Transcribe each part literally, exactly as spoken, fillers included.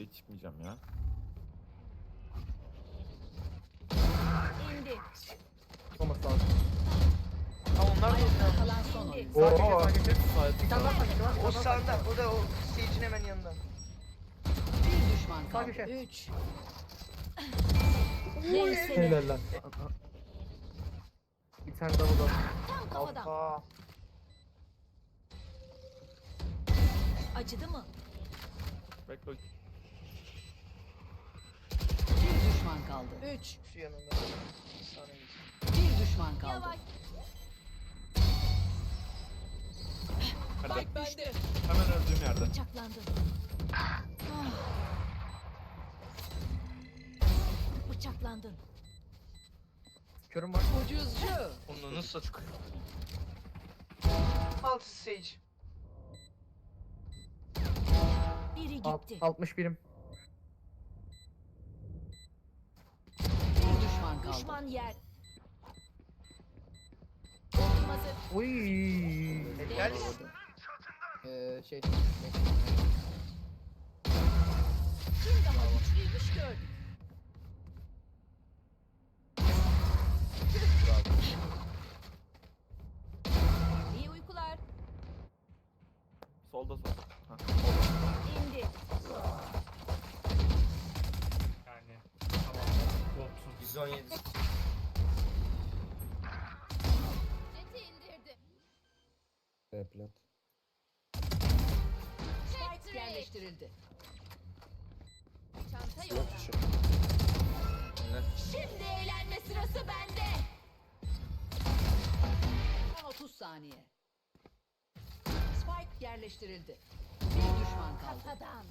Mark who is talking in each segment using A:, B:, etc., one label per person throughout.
A: B'ye çıkmayacağım ya.
B: İndi.
C: Olması lazım.
D: Ha onlar da
B: Ayakta
D: o.
B: kalan son oyun.
C: Sağ köşe sağ köşe.
A: Sait
C: Bir tane daha sağ köşe var. bir
D: O
C: tane daha sağ köşe
D: sağında.
C: var.
D: O da o stage'in hemen yanında.
B: Bir düşman
C: Sağ
B: kaldı.
C: köşe.
B: Üç. Neyse ne.
C: Helal lan. Bir tane daha burada.
B: Tam kafadan.
D: Alfa.
B: Acıdı mı?
A: Bekle.
B: Bir düşman kaldı. Üç.
D: Şu yanında. Saniye.
B: Bir düşman kaldı.
E: Yavaş.
A: Hadi.
E: Spike bende.
A: Hemen öldüğüm yerde.
B: Bıçaklandım. Ah. Bıçaklandın.
C: Körüm var.
B: Ucuzcu.
D: Onu nasıl çıkıyor? Alt stage.
B: Biri
C: Alt,
B: gitti.
C: altmış birim.
B: Bir düşman kaldı.
E: Düşman yer. Ultim hazır.
C: Uy.
D: Helal.
C: Ee, şey.
E: Kim daha güçlüymüş gördük. İyi uykular.
A: Solda sol. Ha.
E: İndi.
F: Yani tamam. otuz.
D: yüz on yedi.
E: Jeti indirdi.
G: B plat.
B: Spike yerleştirildi.
E: Çanta
G: Yok
E: yok.
G: dışı.
E: Şimdi eğlenme sırası bende.
B: Son otuz saniye. Spike yerleştirildi. Bir düşman kaldı.
E: Kafadan.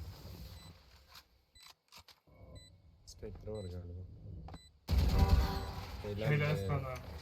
G: Spectre var galiba.
F: Helal
G: Helal be.
F: sana.